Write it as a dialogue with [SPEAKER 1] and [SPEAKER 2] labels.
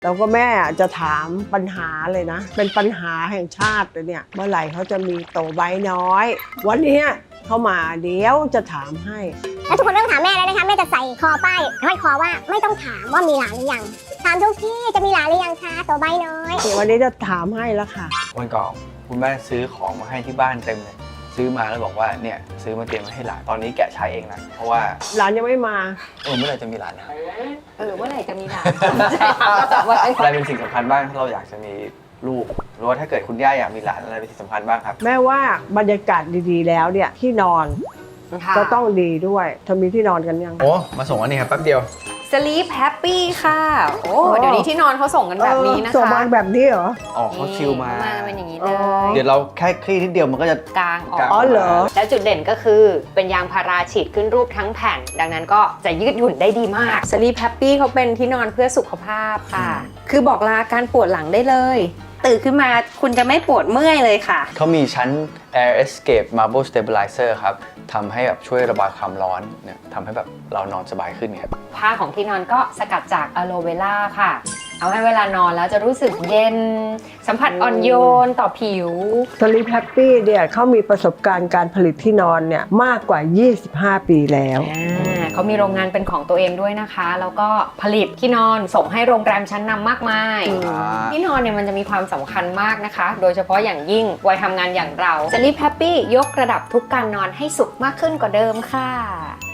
[SPEAKER 1] แล้วก็แม่จะถามปัญหาเลยนะเป็นปัญหาแห่งชาติเลยเนี่ยเมื่อไหร่เขาจะมีโตใบน้อยวันนี้เข้ามาเดี๋ยวจะถามให้
[SPEAKER 2] แล้วทุกคนไม่ต้องถามแม่แล้วนะคะแม่จะใส่คอป้ายห้อยคอว่าไม่ต้องถามว่ามีหลานหรือยังถามทุกที่จะมีหลานหรือยังคะตัวใบน้อย
[SPEAKER 1] วันนี้จะถามให้แล้วค่ะ
[SPEAKER 3] วันก่อนคุณแม่ซื้อของมาให้ที่บ้านเต็มเลยซื้อมาแล้วบอกว่าเนี่ยซื้อมาเตรียมมาให้หลานตอนนี้แกะใช้เองนะเพราะว่า
[SPEAKER 1] หลานยังไม่มา
[SPEAKER 3] เมื่อไหร่จะมีหลานนะ
[SPEAKER 4] เมื่อไหร่จะมีหลาน
[SPEAKER 3] อะไรเป็นสิ่งสำคัญบ้างถ้าเราอยากจะมีลูกหรือว่าถ้าเกิดคุณย่าอยากมีหลานอะไรเป็นสิ่งสำคัญบ้างครับ
[SPEAKER 1] แม่ว่าบรรยากาศดีๆแล้วเนี่ยที่นอนก็ต้องดีด้วยเธอมีที่นอนกันยัง
[SPEAKER 3] โอ้มาส่งอันนี้ครับแป๊บเดียว
[SPEAKER 4] Sleep Happy ค่ะโอ้เดี๋ยวนี้ที่นอนเขาส่งกันแบบนี้นะคะ
[SPEAKER 1] ส่งมาแบบนี้เหรอ
[SPEAKER 3] เขาซิลมา
[SPEAKER 4] เป็นอย่างนี้เลย
[SPEAKER 3] เดี๋ยวเราแค่คลี่นิดเดียวมันก็จะ
[SPEAKER 4] กางออก
[SPEAKER 1] อ๋อเหรอ
[SPEAKER 4] แล้วจุดเด่นก็คือเป็นยางพาราฉีดขึ้นรูปทั้งแผ่นดังนั้นก็จะยืดหยุ่นได้ดีมาก Sleep Happy เขาเป็นที่นอนเพื่อสุขภาพค่ะคือบอกลาการปวดหลังได้เลยตื่นขึ้นมาคุณจะไม่ปวดเมื่อยเลยค่ะ
[SPEAKER 3] เขามีชั้น Air Escape Marble Stabilizer ครับทำให้แบบช่วยระบายความร้อนเนี่ยทำให้แบบเรานอนสบายขึ้นครับ
[SPEAKER 4] ผ้าของที่นอนก็สกัดจากอะโลเวล่าค่ะเอาให้เวลานอนแล้วจะรู้สึกเย็นสัมผัสอ่อนโยนต่อผิว
[SPEAKER 1] Sleep Happy เนี่ยเขามีประสบการณ์การผลิตที่นอนเนี่ยมากกว่า25ปีแล้ว
[SPEAKER 4] เขามีโรงงานเป็นของตัวเองด้วยนะคะแล้วก็ผลิตที่นอนส่งให้โรงแรมชั้นนำมากมายที่นอนเนี่ยมันจะมีความสำคัญมากนะคะโดยเฉพาะอย่างยิ่งวัยทำงานอย่างเรา Sleep Happy ยกระดับทุกการนอนให้สุขมากขึ้นกว่าเดิมค่ะ